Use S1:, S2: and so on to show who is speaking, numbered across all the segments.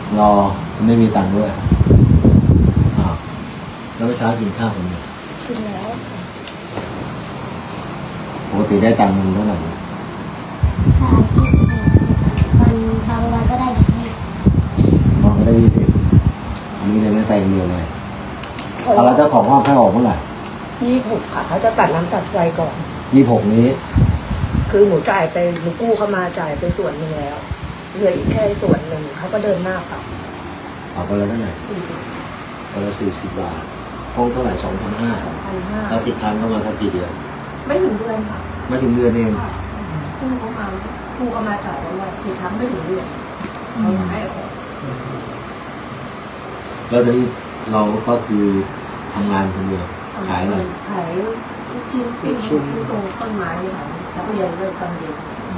S1: รอไม่มีตังค์ด้วยอ้าวแล้วเมื่อเช้ากินข้าวคนเดียว
S2: กินแล้ว
S1: ปกติได้ตังค์เท่าไหร่
S2: 30 40วันบางวันก็ได้20
S1: มองก็ได้20อันนี้เลยไม่ไปเรียนเลยเอาแล้วเจ้าของห้องให้ออกเมื่อไหร่
S3: 26 ค่ะเขาจะตัดน้ำตัดไฟก่อน
S1: 26นี้
S3: คือหนูจ่ายไปหนูกู้เข้ามาจ่ายไปส่วนหนึ่งแล้วเหลืออีกแค่ส่วนหนึ่งเขาก็เดินหน้าค่ะ
S1: เอาไปเลยเท่าไหร่
S3: 40
S1: ไปเลย40 บาทห้องเท่าไหร่2,500แล้วติดค้างเข้ามาทั้งกี่เดือน
S3: ไม่ถึงเดือนค่ะ
S1: ไม่ถึงเดือนเอง
S3: กู้เข้ามาจ่ายแล้วว่าทีครั้งไม่ถึงเดือนเขาจะให้ออก
S1: แล้วตอนนี้เราก็คือทำงานคนเดียวขายอะไร
S3: ขายลูกชิ้นปิ้งตรงต้นไม้ค่ะนักเรียนเลิกกำเรียน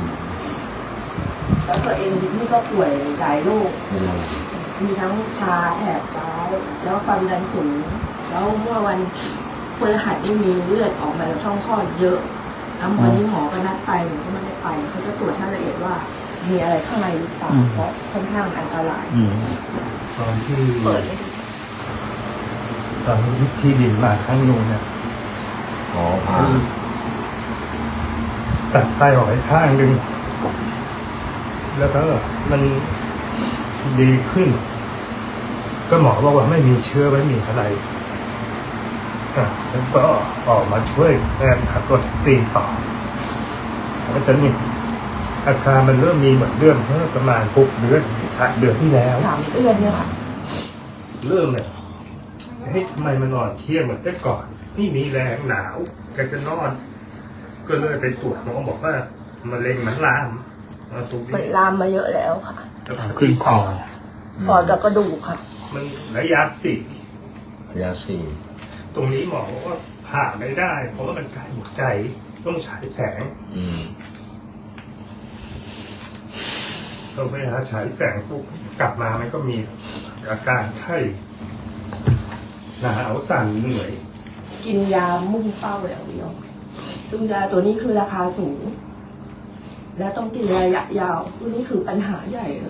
S3: แล้วตัวเองนี่ก็ป่วยหลายโรค
S1: เป็นอะไร
S3: มีทั้งชาแถบซ้ายแล้วความดันสูงแล้วเมื่อวันพฤหัสนี่มีเลือดออกมาจากช่องคลอดเยอะแล้ววันนี้หมอก็นัดไปหนูก็ไม่ได้ไปเขาจะตรวจให้ละเอียดว่ามีอะไรข้างในหรือเปล่าเพราะค่อนข้างอันตราย
S4: ตอนที่
S3: เปิดให้ดู
S4: ตอนที่ดินมาครั้งนึงเนี่ย
S1: อ๋อพา
S4: ตัดไตออกไปข้างหนึ่งแล้วก็มันดีขึ้น ก็หมอบอกว่าไม่มีเชื้อไม่มีอะไรแล้วก็ออกมาช่วยแฟนขับรถแท็กซี่ต่อแล้วตอนนี้อาการมันเริ่มมีเหมือนเดิมเมื่อประมาณ6 เดือน3 เดือนที่แล้ว
S3: 3 เดือนเนี่ยค่ะ
S4: เริ่มเนี่ยเฮ้ยทำไมมันนอนเที่ยงเหมือนแต่ก่อนนี่มีแรงหนาวแกจะนอน ก็เลยไปตรวจหมอบอกว่ามะเร็งมันลามตรง
S3: มัน
S4: นี้
S3: ลามมาเยอะแล้วค่ะ
S4: ขึ้นคอ
S3: ปอดกับกระดูกค่ะ
S4: มันระยะ
S1: ระยะ4
S4: ตรงนี้หมอบอกว่าผ่าไม่ได้ เพราะว่ามันใกล้หัวใจต้องฉายแสงต้องไปหาฉายแสงปุ๊บกลับมามันก็มีอาการไข้หนาวสั่นเหนื่อย
S3: กินยามุ่งเป้าอย่างเดียวซึ่งยาตัวนี้คือราคาสูง และต้องกินระยะยาวตัวนี้คือปัญหาใหญ่เลย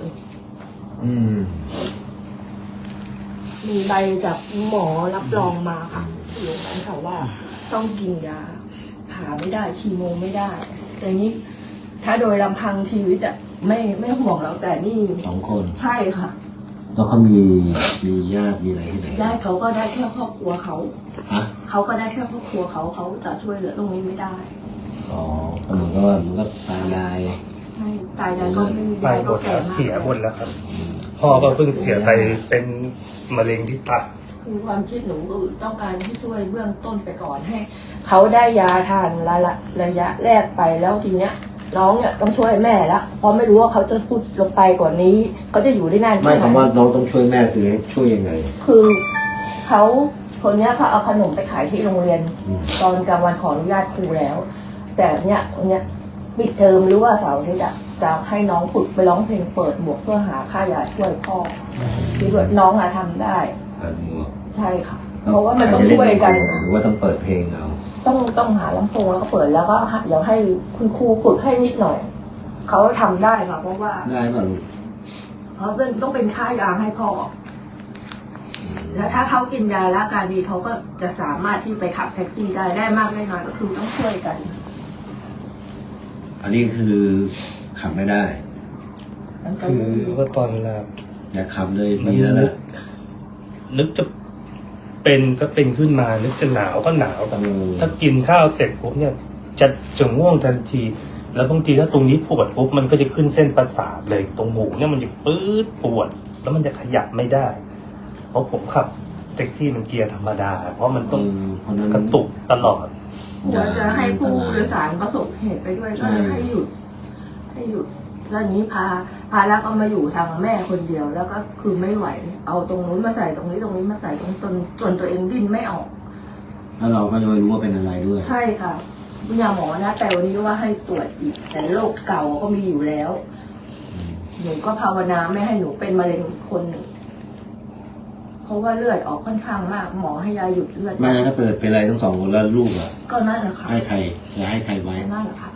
S3: มีใบจากหมอรับรองมาค่ะอยู่นั้นค่ะว่าต้องกินยาหาไม่ได้คีโมไม่ได้ แต่นี้ถ้าโดยลำพังชีวิตอะไม่ห่วงแล้วแต่นี่
S1: 2 คน
S3: ใช่ค่ะ
S1: แล้วเขามีญาติมีอะไรที่ไหน
S3: ญาติเขาก็ได้แค่ครอบครัวเขา
S1: ฮะ
S3: เขาก็ได้แค่ครอบครัวเขาจะช่วยเหลือตรงนี้ไม่ได้
S1: อ๋อก็เหมือนกับว่ามันก็ตายาย
S3: ใช่ตายายก็ไม่มี
S4: ไป
S3: ยาย
S4: หม
S3: ก็
S4: ด
S3: แก่
S4: แล้ว
S3: มาก
S4: เสียหมดแล้วครับพ่อก็เพิ่งเสียไปเป็นมะเร็งที่ตับ
S3: คือความคิดหนูคือต้องการที่ช่วยเบื้องต้นไปก่อนให้เขาได้ยาทานระยะแรกไปแล้วทีเนี้ยน้องเนี่ยต้องช่วยแม่ละเพราะไม่รู้ว่าเขาจะสุดลงไปกว่านี้เขาจะอยู่ได้นาน
S1: ไม่
S3: แค่ไหน
S1: คำว่าน้องต้องช่วยแม่คือให้ช่วยยังไง
S3: คือเขาคนเนี้ยเขาเอาขนมไปขายที่โรงเรียน ตอนกลางวันขออนุญาตครูแล้ว แต่เนี่ยปิดเทอมหรือว่าเสาร์อาทิตย์จะให้น้องฝึกไปร้องเพลงเปิดหมวกเพื่อหาค่ายาช่วยพ่อคิดว่าน้องอะทำได้ ใช่ค่ะ เพราะว่ามันต้องช่วยกัน
S1: หรือว่าต้องเปิดเพลงเอา
S3: ต้องหาลำโพงแล้วก็เปิดแล้วก็เดี๋ยวให้คุณครูฝึกให้นิดหน่อยเขาทำได้ค่ะเพราะว่า
S1: ได้ป่ะลูก
S3: เพราะเป็นต้องเป็นค่ายาให้พ่อแล้วถ้าเขากินยาแล้วอาการดีเขาก็จะสามารถที่ไปขับแท็กซี่ได้มากได้น้อยก็คือต้องช่วยกัน
S1: อันนี้คือขับไม่ได้
S4: คือว่าตอนเวลา
S1: อย่าขับเลยมีแล้วนะ
S4: นึกจะเป็นก็เป็นขึ้นมา นึกจะหนาวก็หนาว
S1: โอ้
S4: ถ้ากินข้าวเสร็จปุ๊บเนี่ยจะง่วงทันที แล้วบางทีถ้าตรงนี้ปวดปุ๊บมันก็จะขึ้นเส้นประสาทเลยตรงหูเนี่ยมันจะปื๊ดปวด แล้วมันจะขยับไม่ได้ เพราะผมขับแท็กซี่มันเกียร์ธรรมดา เพราะมันต้อง
S1: เพราะนั้น
S4: กระตุกตลอด
S3: กลัวจะให้ผู้โดยสารประสบเหตุไปด้วยก็เลยให้หยุดแล้วนี้พาแล้วก็มาอยู่ทางแม่คนเดียว แล้วก็คือไม่ไหว เอาตรงนู้นมาใส่ตรงนี้มาใส่จนตัวเองดิ้นไม่ออก
S1: แล้วเราก็จะไม่รู้ว่าเป็นอะไรด้วย
S3: ใช่ค่ะคุณยาหมอนะแต่วันนี้ก็ว่าให้ตรวจอีก แต่โรคเก่าก็มีอยู่แล้ว หนูก็ภาวนาไม่ให้หนูเป็นมะเร็งอีกคนหนึ่งเพราะว่าเลือดออกค่อนข้างมาก หมอให้ยาหยุดเลือด
S1: ไม่ถ้าเปิดเป็นอะไรทั้ง 2 คนแล้วลูกอ่ะ
S3: ก็นั่นแหละค่ะ
S1: ให้ใครจะให้ใครไว้
S3: นั่นแหละค่ะ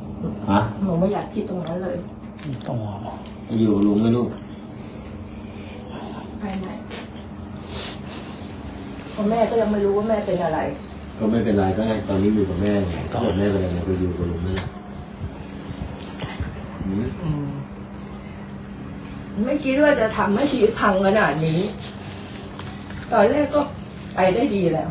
S1: ฮะ
S3: หนูไม่อยากคิดตรงนั้นเลย
S1: อยู่กับลุงไหมลูก
S3: ไม่เพราะแม่ก็ยังไม่รู้ว่าแม่เป็นอะไร
S1: ก็ไม่เป็นไรก็ให้ตอนนี้อยู่กับแม่ไงถ้าเกิดแม่เป็นอะไรก็อยู่กับลุงแม่
S3: ไม่คิดว่าจะทำให้ชีวิตพังขนาดนี้ ตอนแรกก็ไปได้ดีแล้ว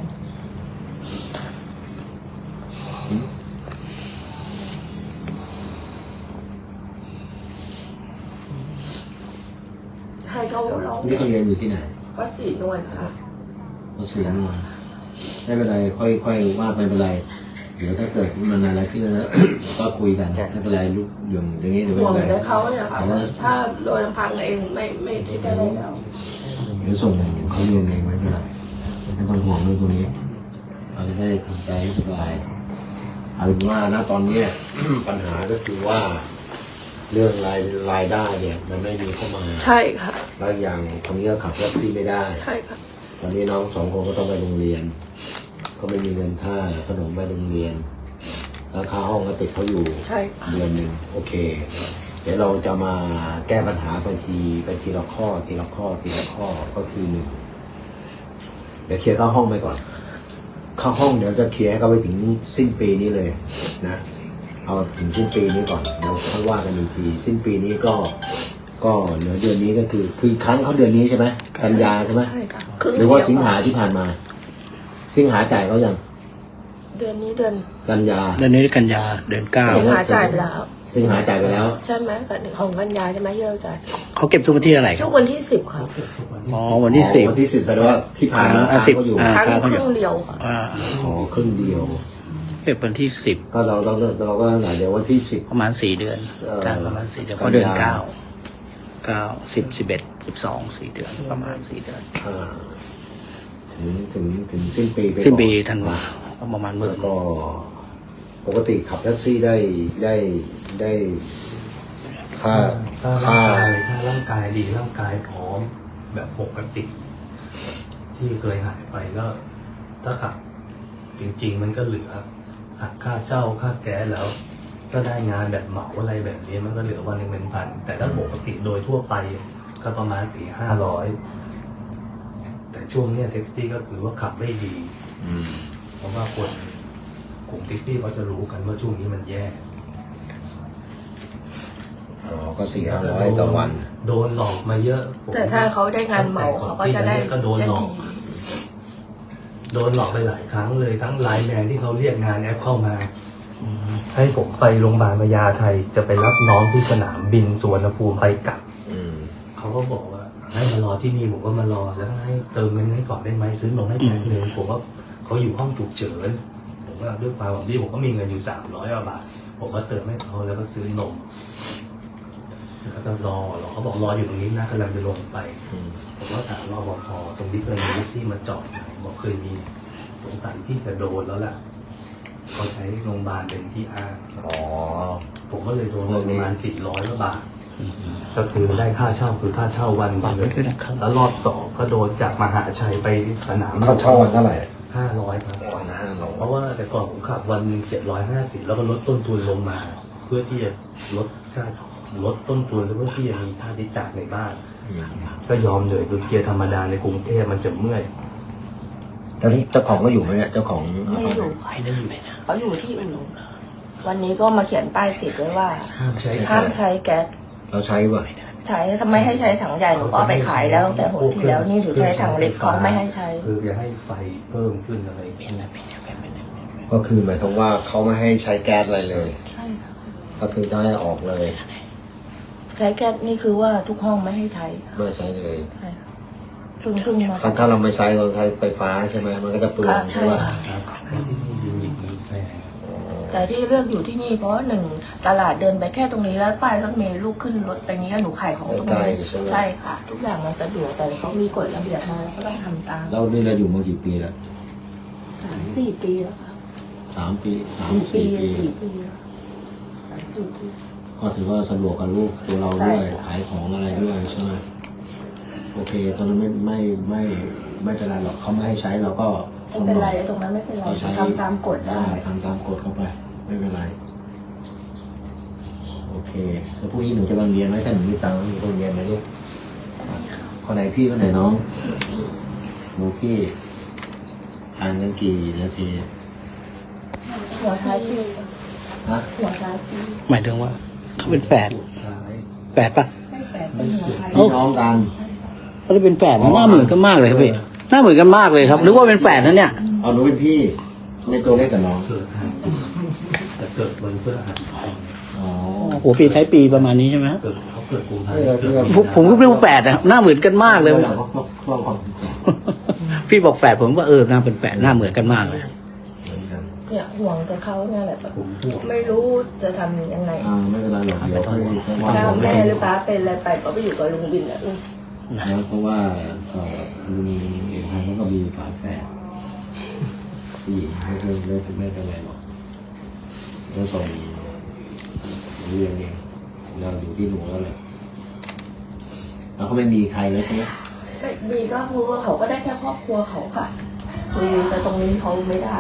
S3: ให้เขาร้อง
S1: นี่เขาเรียนอยู่ที่ไหน
S3: วัดศรีนวลค่ะ
S1: ก็เสียงมาไม่เป็นไรค่อยว่าไม่เป็นไรเดี๋ยวถ้าเกิดมันอะไรขึ้นแล้ว ก็คุยกันไม่เป็นไรลูกอย่างนี้เดี๋ยวไม่
S3: ห่วง
S1: เป็นไร
S3: แต่เขาเนี่ยค่ะถ้าโดยลำพังเองไม่คิดได้แล้ว
S1: เดี๋ยวส่งเขาเรียนเองไม่เป็นไรไม่ต้องห่วงเรื่องตรงนี้เราจะได้ทำใจให้สบายเอาเป็นว่าณตอนนี้ ปัญหาก็คือว่า เรื่องรายได้เนี่ยมันไม่มีเข้ามา
S3: ใช่ค่ะ
S1: แล้วอย่างคนนี้ก็ขับแท็กซี่ไม่ได้
S3: ใช่ค่ะ
S1: ตอนนี้น้องสองคนก็ต้องไปโรงเรียน ก็ไม่มีเงินค่าขนมไปโรงเรียนราคาห้องก็ติดเขาอยู่
S3: ใช่
S1: เดือนหนึ่งโอเค เดี๋ยวเราจะมาแก้ปัญหาไปทีละข้อก็คือหนึ่งเดี๋ยวเคลียร์เข้าห้องไปก่อนเข้าห้องเดี๋ยวจะเคลียร์ให้เขาไปถึงสิ้นปีนี้เลยนะเอาถึงสิ้นปีนี้ก่อนเราค่อยว่ากันอีกทีสิ้นปีนี้ก็เหลือเดือนนี้ก็คือครั้งเขาเดือนนี้ใช่ไหมกันยาใช่ไหม
S3: ใช่ค่ะ
S1: หรือว่าสิงหาที่ผ่านมา สิงหาจ่ายเขายัง
S3: เดือนนี้เดือน
S1: กันยา
S5: เดือนนี้กันยาเดือนเก้า
S3: สิงหาจ่ายไปแล้ว
S1: สิงหาจ่ายไปแล้ว
S3: ใช่ไหมของกันยาใช่ไหมที่เราจ่าย
S5: เขาเก็บทุกวันที่อะไรค
S3: ช่
S5: รั
S3: ว
S5: บ
S3: งวันที่10ค่ะ
S5: อ๋อวันที่สิบ
S1: วันที่10แสดงว่าที่ผ่านมา
S5: อ่า
S1: ค้างเขาอยู่
S5: 10
S3: ครั้งครึ่งเดียวค่ะ
S1: ขอครึ่งเดียว
S5: เก็บวันที่10
S1: ก็เราก็ตั้งแต่เดี๋ยววันที่10
S5: ประมาณ4 เดือน ประมาณ4 เดือนก็เดือน9 10 11 12 4 เดือนประมาณ4 เดือน
S1: ถึงสิ้นปีไปก่อน
S5: สิ้นปีธันวาประมาณหมื่
S1: แล้
S5: น
S1: วก็ปกติขับแท็กซี่ได้ค่า
S4: ถ้าร่างกายดีร่างกายพร้อมแบบปกติ ที่เคยหายไปก็ ถ้าขับจริงๆมันก็เหลือหักค่าเช่าค่าแก๊สแล้ว ก็ได้งานแบบเหมาอะไรแบบนี้มันก็เหลือวันหนึ่งเป็นพันแต่ถ้าปกติโดยทั่วไปก็ประมาณ400-500แต่ช่วงเนี้ยแท็กซี่ก็คือว่าขับไม่ดี เพราะว่าคนกลุ่มแท็กซี่เขาจะรู้กันว่าช่วงนี้มันแย่
S1: ก็400-500ต่อวัน
S4: โดนหลอกมาเยอะ
S3: แต่ถ้าเขาได้งานเหมาเขาก็จะได้
S4: ก็โดนหลอก โดนหลอกไปหลายครั้งเลยทั้งไลน์แมนที่เขาเรียกงานแอปเข้ามา ให้ผมไปโรงพยาบาลพญาไทจะไปรับน้องที่สนามบินสุวรรณภูมิไปกลับเขาก็บอกว่าให้มารอที่นี่ผมก็มารอแล้วก็ให้เติมเงินให้ก่อนได้ไหมซื้อนมให้แพ็คนึงผมว่าเขาอยู่ห้องฉุกเฉินผมก็ด้วยความหวังดีผมก็มีเงินอยู่300 บาทผมก็เติมให้เขาแล้วก็ซื้อนมแล้วก็รอเขาบอกรออยู่ตรงนี้นะกำลังจะลงไปผมก็ถามรปภตรงนี้เคยมีแท็กซี่มาจอดไหมบอกเคยมีสงสัยที่จะโดนแล้วล่ะเขาใช้โรงพยาบาลเป็นที่อ้างผมก็เลยโดนประมาณ400 บาทก็คือได้ค่าเช่าคือค่าเช่าวันเลยแล้วรอบ2ก็โดนจากมหาชัยไปสนาม
S1: ค่าเช่าวันเท่าไหร่
S4: 500 ครับ
S1: วันละ500
S4: เพราะว่าแต่ก่อนผมขับวัน750แล้วก็ลดต้นทุนลงมา เพื่อที่จะลดต้นทุนแล้วเพื่อที่จะมีค่าใช้จ่ายในบ้านก็ยอมเลยคือเกียร์ธรรมดาในกรุงเทพมันจะเมื่อย
S1: ตอนนี้เจ้าของก็อยู่ไหมเนี่ยเจ้าของ
S3: ไม่อยู่เขาอยู่ที่อื่นวันนี้ก็มาเขียนป้ายติดไว้ว่า
S4: ห้ามใช้
S3: ห้ามใช้แก๊ส
S1: เราใช้ป่ะ
S3: ใช้ทำไมให้ใช้ถังใหญ่หนูก็เอาไปขายแล้วตั้งแต่หนที่แล้วนี่หนูใช้ถังเล็กเขาไม่ให้ใช้
S4: คือจะให้ไฟเพิ่มขึ้นอะไรเป็น
S1: ก็คือหมายความว่าเขาไม่ให้ใช้แก๊สอะไรเลย
S3: ใช่ค่ะ
S1: ก็คือจะให้ออกเลย
S3: ใช้แก๊สนี่คือว่าทุกห้องไม่ให้ใช้
S1: ไม่ใช้เลย
S3: ใช่ค่ะเพิ่งมา
S1: ถ้าเราไม่ใช้เราใช้ไฟฟ้าใช่ไหมมันก็จะเปลืองใช่ป่ะ
S4: ที่นี่ยิงอีกนิดแม่
S3: แต่ที่เลือกอยู่ที่นี่เพราะหนึ่งตลาดเดินไปแค่ตรงนี้แล้วป้ายรถเมล์ลูกขึ้นรถไปนี้หนูขายของตรงนี้ใช่ค่ะ ทุกอย่างมันสะดวกแต่เขามีกฎระเบียบมาก็ต้องทำตาม
S1: เรานี่เราอยู่มากี่ปีแล้ว
S3: 3-4 ปีแล้วค่ะ
S1: 3 ปี
S3: 4 ปี
S1: 3-4 ปี
S3: 4 ปีแล้ว3-4 ปี
S1: ก็ถือว่าสะดวกกับลูกตัวเราด้วยขายของอะไรด้วยใช่ไหมโอเคตอนนั้นไม่เป็นไรหรอกเขาไม่ให้ใช้เราก็
S3: ไม่เป็นไรตรงนั้นไม่เป็นไรทำตามกฎได้
S1: ทำตามกฎเข้าไปไม่เป็นไรโอเคแล้วพรุ่งนี้หนูจะมาเรียนไหมถ้าหนูมีตังค์หนูต้องเรียนไหมลูกค่คนไหนพี่คนไหนน้องหนูพี่ห่างกันกี่นาที
S3: หัวท้ายปี
S1: ฮะ
S3: หัวท้ายปี
S5: หมายถึงว่าเขาเป็นแฝดแฝดปะ
S3: ให้แปดเป็นหัวท้าย
S1: พี่น้องกัน
S5: เขาจะเป็นแฝดนะหน้าเหมือนกันมากเลยครับพี่หน้าเหมือนกันมากเลยครับนึกว่าเป็นแฝดนะเนี่ย
S1: เอาหนูเป็นพี่ในตัวเล็กกับน้อง
S4: แต่เกิดวันพฤหัส
S1: อ๋อ
S5: โอ้โหปีท้ายปีประมาณนี้ใช่ไหม
S4: เกิดเขาเกิดกุมภา
S5: ผมก็ไม่รู้แฝดนะหน้าเหมือนกันมากเลย
S1: ลองก่อน
S5: พี่บอกแฝดผมว่าหน้าเป็นแฝดหน้าเหมือนกันมากเลย
S3: เนี่ยห่วงแต่เขาเนี่ยแหละแบบ
S4: ผมพูด
S3: ไม่รู้จะทำยังไง
S1: ไม่เป็นไรหรอกเดี๋ยวค่อยว่า
S3: ถ้า
S1: กัน
S3: แม่หรือป้าเป็นอะไรไปก็ไปอยู่กับลุงบินแหละลูก
S1: นะเพราะว่ามีเอกพันธ์ก็มีฝาแฝดผู้หญิงไม่เป็นไรหรอกแล้วส่งเรียนเองเราอยู่ที่หนูแล้วแหละแล้วเขาไม่มีใครเลยใช่ไหม
S3: ไม่มีก็คือว่าเขาก็ได้แค่ครอบครัวเขาค่ะคือแต่ตรงนี้เขาไม่ได้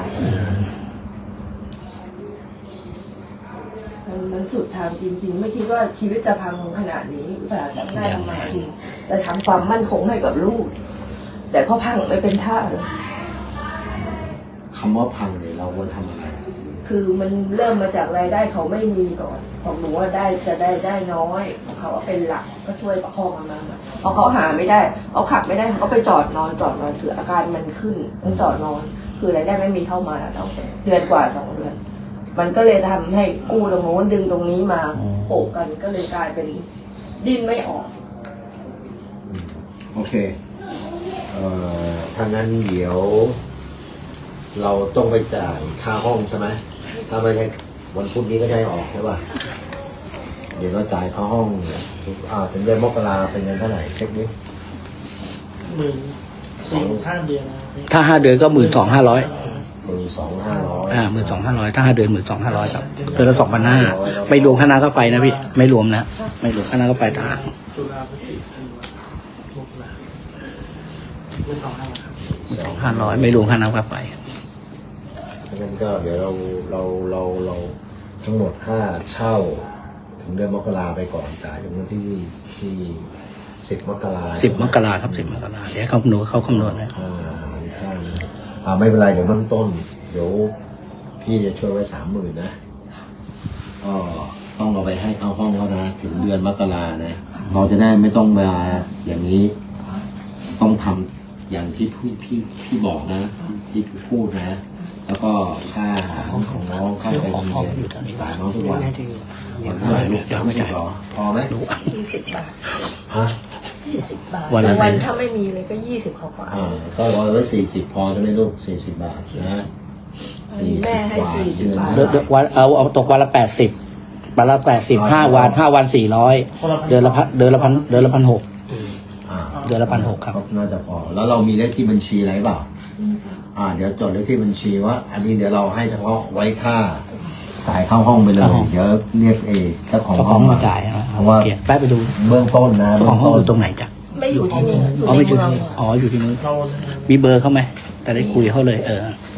S3: มันสุดทางจริงๆ ไม่คิดว่าชีวิตจะพังขนาดนี้อุตส่าห์ทำได้ทำมาจริงจะทำความมั่นคงให้กับลูก แต่พอพังไม่เป็นท่าเลย
S1: คำว่าพังเนี่ยเราควรทำอะไร
S3: คือมันเริ่มมาจากรายได้เขาไม่มีก่อนของหนูว่าได้น้อยของเขาเป็นหลักก็ช่วยประคองมาพอเขาหาไม่ได้เขาขับไม่ได้เขาก็ไปจอดนอนคืออาการมันขึ้นต้องจอดนอน คือรายได้ไม่มีเข้ามาแล้วเดือนกว่า2 เดือน มันก็เลยทำให้กู้ตรงโน้นดึงตรงนี้มาโปะกันก็เลยกลายเป็นดิ้นไม่ออก
S1: โอเคถ้างั้นเดี๋ยว เราต้องไปจ่ายค่าห้องใช่ไหมถ้าไม่ใช่วันพุธนี้ก็ได้ออกใช่ป่ะเดี๋ยวเราจ่ายค่าห้องถึงเดือนมกราเป็นเงินเท่าไหร่เช็คดิ
S6: 14,500 เดือน
S5: ถ้า5 เดือนก็12,500
S1: 12,500
S5: 12,500ถ้า5 เดือน12,500ครับเดือนละ2,500ไม่รวมค่าน้ำค่าไฟนะพี่ไม่รวมนะไม่รวมค่าน้ำค่าไฟต่างหาก
S6: ตุลาพฤศจิกายนมกราเดือน2,500ครับ
S5: 2,500ไม่รวมค่าน้ำค่าไฟ
S1: งั้นก็เดี๋ยวเราทั้งหมดค่าเช่า ถึงเดือนมกราไปก่อนจ่ายถึงวันที่10 มกรา
S5: 10 มกราครับ10 มกราเดี๋ยวเขาคำนวณนะ
S1: ค่าไม่เป็นไรเดี๋ยวเบื้องต้น เดี๋ยวพี่จะช่วยไว้ 30,000นะก็ต้องเอาไปให้เข้าห้องเขานะถึงเดือนมกรานะเราจะได้ไม่ต้องมาอย่างนี้ ต้องทำอย่างที่พี่บอกนะ ที่พี่พูดนะ แล้วก็ค่าห้องของน้องค่าไปโรงเรียนจ่ายน้องทุกวันวันเท่าไหร่ลูกจะไม่ใช่หรอพอไหม
S3: 20 บาท
S1: ฮะ
S3: 40 บาท
S5: วันละ
S3: วันถ้าไม่มีเลยก็20เขากว่า
S1: ก็ร้อยไว้40พอใช่ไหมลูก40 บาทนะ40
S3: แม่ให้
S1: บาท
S3: 40 บาท
S5: เดือนวันเอาตกวันละ80วันละ80 5 วัน400เดือนละ1,600เดือนละ1,600ครับ
S1: น่าจะพอแล้วเรามีเลขที่บัญชีอะไรเปล่าเดี๋ยวจดเลขที่บัญชีว่า อันนี้เดี๋ยวเราให้เฉพาะไว้ค่าจ่ายเข้าห้องไปเลยเดี๋ยวเรียกเจ้าของ
S5: เจ้าข
S1: ห้
S5: อ
S1: องง
S5: มาจ่ายนะ
S1: เพราะว่า
S5: เปลี่ยนแป๊บไปดู
S1: เบื้องต้นนะ
S5: เจ้าของห้องอยู่ตรงไหนจ๊ะ
S3: ไม่อยู่ที่นี่อยู่
S5: อ๋อ
S3: ใน
S5: ไม่อยู่
S3: เมือง
S5: ที่อ๋ออยู่ที่นู้น
S6: เรา
S5: มีเบอร์เขาไหมแต่ได้คุยเขาเลย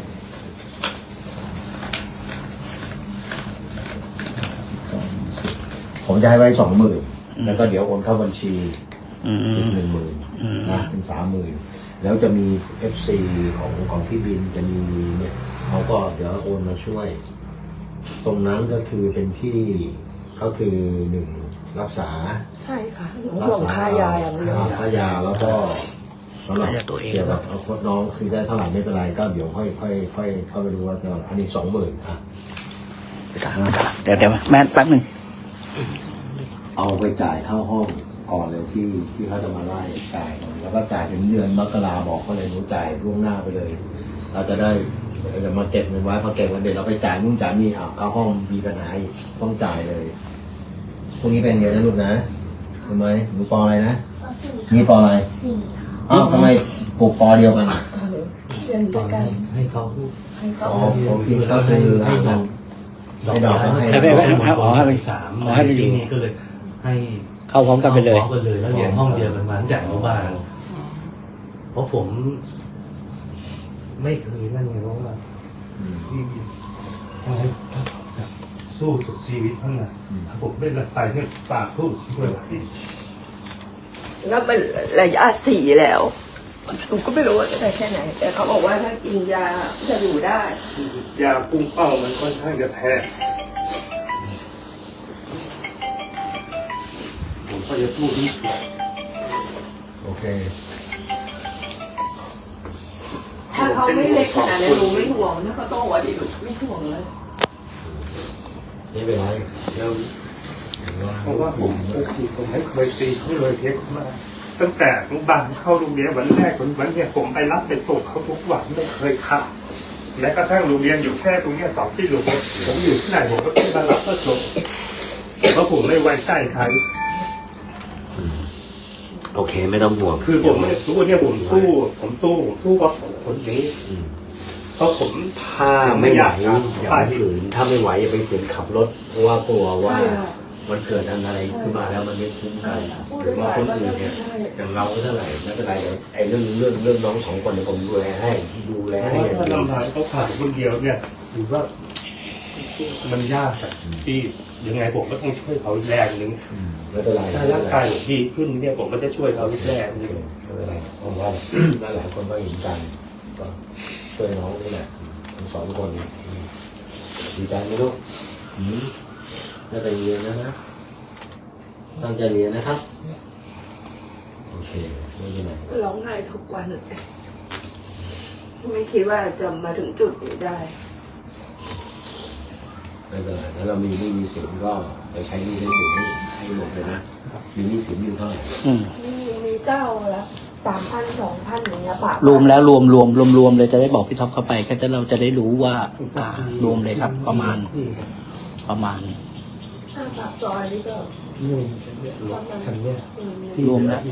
S1: ผมจะให้ไว้20,000แล้วก็เดี๋ยวโอนเข้าบัญชีอีก10,000นะเป็น30,000แล้วจะมี FC ของพี่บินจะมีเนี่ยเขาก็เดี๋ยวโอนมาช่วย ตรงนั้นก็คือเป็นที่ก็คือ1รักษา
S3: ใช่ค่ะหนูห่วงค่ายาอย่างเดียว
S1: ค่ายาแล้วก็สำหรับเกี่ยวกับเอาโค้ดน้องคือได้เท่าไหร่ไม่เป็นไรก็เดี๋ยวค่อยเข้าไปดูว่าจะอันนี้20,000
S5: เดี๋ยวแม่แป๊บหนึ่ง
S1: เอาไปจ่ายเข้าห้องก่อนเลยที่เขาจะมาไล่จ่ายก่อนแล้วก็จ่ายถึงเดือนมกราบอกเขาเลยหนูจ่ายล่วงหน้าไปเลย เราจะได้จะมาเก็บเงินไว้พอเก็บเงินเดือนเราไปจ่ายนู่นจ่ายนี่เข้าห้องมีปัญหาอีกต้องจ่ายเลยพวกนี้เป็นเงินนะลูกนะทำไมหนูปออะไรนะ นี่ปออะไร
S2: 4
S1: ทำไมปลูกปอเดียวกัน
S3: เรียนด้วยกัน
S4: ให้เขาพูด
S3: ให้เขา
S1: ผมคิดก็คือให้ดอกก็ให้
S5: ให้ไป
S4: 3
S5: ขอให้ไปอยู่
S4: ที่นี่ก็เลยให้
S5: เข้าพร้อมกันไปเลย
S4: พร้อมกันเลยแล้วเรียนห้องเดียวกันมาตั้งแต่อนุบาลเพราะผมไม่เคยนั่นไงเพราะว่าที่ให้สู้สุดชีวิตทั้งนั้นผมไม่ละตายเนี่ยฝากพูดด้วยที่
S3: แล้วมันระยะ4แล้วหนูก็ไม่รู้ว่าจะได้แค่ไหน แต่เขาบอกว่าถ้ากินยาจะอยู่ได้
S4: ยาพุ่งเป้ามันค่อนข้างจะแพ้ผมก็จะสู้ที่สุด
S1: โอเค
S3: ถ้าเขาไม่เล็กขนาดนั้นหนูไม่ห่วงถ้าเขาโตกว่านี้หนูไม่ห่วงเลย
S1: นี่เป็นไรแล้ว
S4: เพราะว่าผมไม่เคยตีเขาเลยเท็กมาตั้งแต่อนุบาลเข้าโรงเรียนวันแรกวันเนี่ยผมไปรับไปส่งเขาทุกวันไม่เคยขาดแม้กระทั่งโรงเรียนอยู่แค่ตรงเนี้ย2 กิโลผมอยู่ที่ไหนผมก็ขึ้นมารับก็ส่งเพราะผมไม่ไว้ใจใคร
S1: โอเคไม่ต้องห่วง
S4: คือผมไม่รู้เนี่ยผมสู้กับ2 คนนี้เพราะผม
S1: ถ้าไม่ไหวอย่าไปฝืนถ้าไม่ไหวอย่าไปฝืนขับรถเพราะว่ากลัวว่ามันเกิดอะไรขึ้นมาแล้วมันไม่คุ้มกันหรือว่าคนอื่นเนี่ยอย่างเราเท่าไหร่ไม่เป็นไรเดี๋ยวไอ้เรื่องน้อง2 คนเดี๋ยวผมดูแลให้อย่าง
S4: เพ
S1: เดี
S4: ราะ
S1: ยว
S4: ว่าลำพังเขาผ่านคนเดียวเนี่ยถือว่ามันยากอะที่ยังไงผมก็ต้องช่วยเขาอีกแรงนึง
S1: ไม่เป็นไร
S4: ถ้าร่างกายผมดีขึ้นเนี่ยผมก็จะช่วยเขาอีกแรงนึง
S1: ไม่เป็นไรผมว่าหลายคนก็เห็นกันก็ช่วยน้องนี่แหละทั้ง2 คนดีใจไหมลูกได้ไปเรียนนะตั้งใจเรียนนะครับโอเคไม่เป็นไร
S3: ร้องไห้ทุกวันไม่คิดว่าจะมาถึงจุดนี้ได้
S1: ไม่เป็นไรถ้าเรามีหนี้มีสินก็ไปใช้หนี้ใช้สินให้หมดเลยนะมีหนี้สินอยู่เท่าไหร่
S3: มีเจ้าละ3,000 2,000อย่างเงี้ยปะ
S5: รวมแล้วรวมเลยจะได้บอกพี่ท็อปเข้าไปก็จะเราจะได้รู้ว่ารวมเลยครับ ประมาณ
S3: ถ้าปากซอยนี่ก็
S4: นี่คันเนี้ย
S5: รวมแล้ว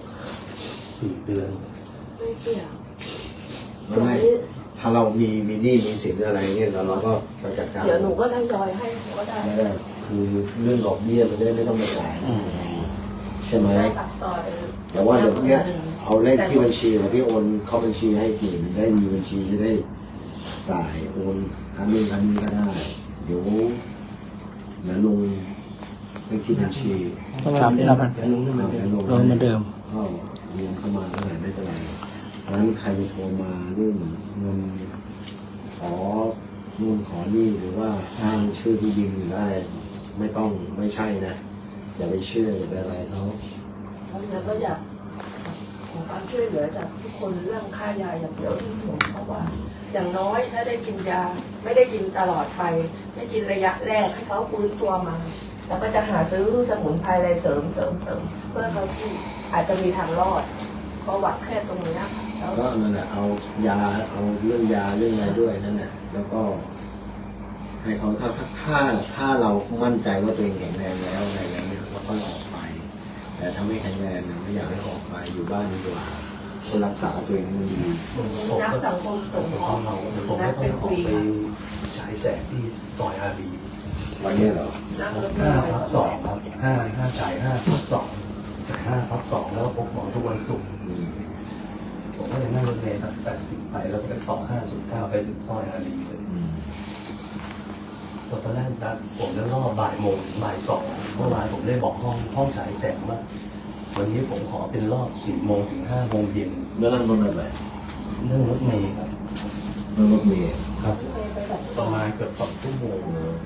S4: 4 เดือน
S3: ไม่เกี่ยว
S1: ไม่ถ้าเรามีหนี้มีสินอะไรเนี่ยเราก็ไปจัดการ
S3: เดี๋ยวหนูก็ทยอยให้เขาก็ได้
S1: ไม่ได้คือเรื่องดอกเบี้ยมันไม่ต้องไปจ่ายใช่ไหม
S3: ปากซอย
S1: แต่ว่าเดี๋ยวเนี้ยเอาเลขที่บัญชีหรือพี่โอนเข้าบัญชีให้ทีมได้มีบัญชีจะได้จ่ายโอนครั้งนี้ก็ได้เดี๋ยวลงเลขที่บัญชี
S5: ครับแล้วมัน
S1: แล้วลง
S5: รวมเหมือนเดิม
S1: ก็เรียนเข้ามาเท่าไหร่ไม่เป็นไรเพราะฉะนั้นใครจะโทรมาเรื่องเงินขอนู่นขอนี่หรือว่าอ้างชื่อที่ดินหรืออะไรไม่ใช่นะอย่าไปเชื่ออย่าไปอะไรเขา
S3: แล้วก็อยากขอความช่วยเหลือจากทุกคนเรื่องค่ายาอย่างเดียวที่ห่วงเพราะว่า อย่างน้อยถ้าได้กินยาไม่ได้กินตลอดไปได้กินระยะแรกให้เขาฟื้นตัวมา แล้วก็จะหาซื้อสมุนไพรอะไรเสริมเพื่อเขาที่อาจจะมีทางรอดก็หวังแค่ตรงนี้แล้ว
S1: ก็นั่นแหละเอายาเอาเรื่องยาเรื่องอะไรด้วยนั่นแหละแล้วก็ให้เขาถ้าเรามั่นใจว่าตัวเองแข็งแรงแล้วอะไรแล้วเนี่ยเราก็ออกไป แต่ถ้าไม่แข็งแรงเนี่ยไม่อยากให้ออกไปอยู่บ้านดีกว่าคนรักษาตัวเองให้มันดี
S3: นักสังคมสงเคราะห์
S4: ผม
S3: นั
S4: ก็
S3: ด
S4: ต้
S3: ไป
S4: องขอ
S3: คุย
S4: ไปฉายแสงที่ซอยอารี
S1: วันนี้เหรอ
S3: นั่งรถเมล์ไป
S4: 5/2ครับ5จ่าย5/2จ่าย5/2แล้วพบหมอทุกวันศุกร์
S1: อืม
S4: ผมก็จะนั่งรถเมล์ตั้งแต่10ไปแล้วไปต่อ509ไปถึงซอยอารีเลย
S1: อืม
S4: ตอนแรกนะผมจะรอบบ่ายโมงถึงบ่าย2เมื่อวานผมได้บอกห้องฉายแสงว่าวันนี้ผมขอเป็นรอบ4 โมงถึง5 โมงเย็น
S1: เรื่องนั้นรถอะไร
S4: นั่งรถเมล์ครับ
S1: เรื่องรถเมล์
S4: ครับ
S3: ไปแบบ
S4: ประมาณเกือบ2 ชั่วโมง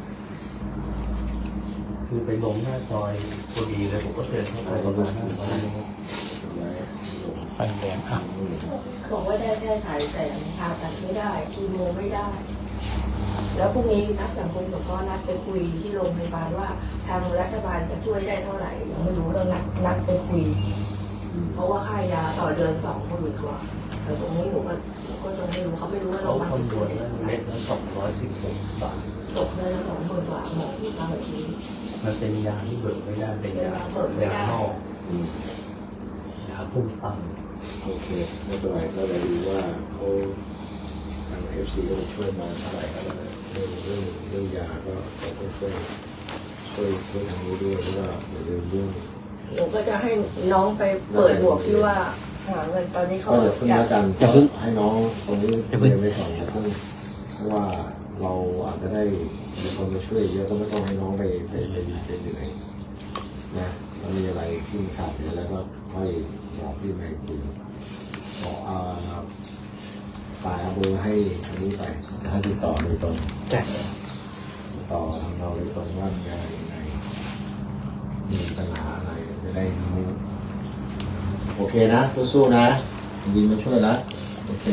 S4: คือไปลงหน้าซอยพอดีเลยผมก็เดินเข้าไปประมาณ5 ซอย
S5: ไปแดงอ่ะ
S3: บอกว่าได้แค่ฉายแสงผ่าตัดไม่ได้คีโมไม่ได้ แล้วพรุ่งนี้นักสังคมสงเคราะห์นัดไปคุยที่โรงพยาบาลว่าทางรัฐบาลจะช่วยได้เท่าไหร่ยังไม่รู้เรานัดไปคุย เพราะว่าค่ายาต่อเดือน20,000 กว่าแต่ตรงนี้หนูก็ยังไม่รู้เขาไม่รู้ว่า
S4: เขา
S3: เรา
S4: คำนวณแล้วเม็ดละ216 บาท
S3: ตกได้แล้ว20,000 กว่าหมอที่มาแบบนี้
S4: มันเป็นยาที่เบิกไม่ได้เป็นยายานอก
S1: อืม
S4: ยาพุ่งปั้ง
S1: โอเคไม่เป็นไรก็เลยดูว่าเขาทาง FC ก็จะช่วยมาเท่าไหร่ก็แล้วนะเรื่องยาก็ต้องช่วยทางนี้ด้วยเพราะว่าเดี๋ยวเรื่อง
S3: หนูก็จะให้น้องไปเปิดบวกที่ว่าหาเงินตอนนี้เขา
S1: ก็อย่าเพิ่ง
S3: อยาก
S1: แล้วกัน
S5: อย่าเพิ่ง
S1: ให้น้องตรงนี้เรียนไปก่อนอย่าเพิ่งเพราะว่าเราอาจจะได้มีคนมาช่วยเยอะก็ไม่ต้องให้น้องไปเหนื่อยนะถ้ามีอะไรที่ขาดเหลือแล้วก็ค่อยบอกพี่ไม่คุยบอกฝ่ายเอาเบอร์ให้อันนี้ไปให้ติดต่อโดยตรง
S5: จ้ะ
S1: ต่อทางเราโดยตรงว่ามีอะไรยังไงมีปัญหาอะไรจะได้รู้โอเคนะสู้ๆนะยินมาช่วยนะโอเค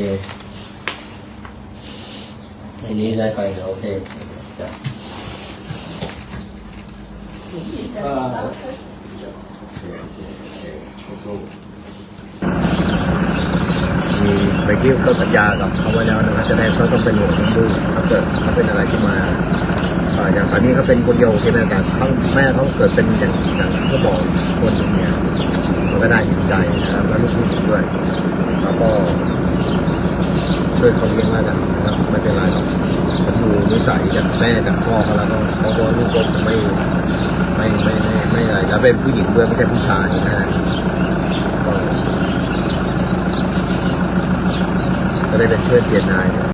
S1: ทีนี้ได้ไปเดี๋ยวโอเคจ้ะสู้มีไปเที่ยวเขาสัญญากับเขาไว้แล้วนะครับจะได้เขาต้องเป็นห่วงลูกถ้าเกิดเขาเป็นอะไรขึ้นมาอย่างสามีเขาเป็นคนเดียวใช่ไหมแต่เขาแม่เขาเกิดเป็นอย่างเขาบอกคนหนึ่งเนี่ยมันก็น่าเห็นใจนะครับแล้วลูกผู้หญิงด้วยแล้วก็ช่วยเขาเลี้ยงแล้วกันนะครับไม่เป็นไรหรอกมันดูนิสัยจากแม่จากพ่อเขาแล้วก็เขาบอกลูกก็ไม่อะไรแล้วเป็นผู้หญิงด้วยไม่ใช่ผู้ชายนะก็ได้เป็นเพื่อนเทียนนาย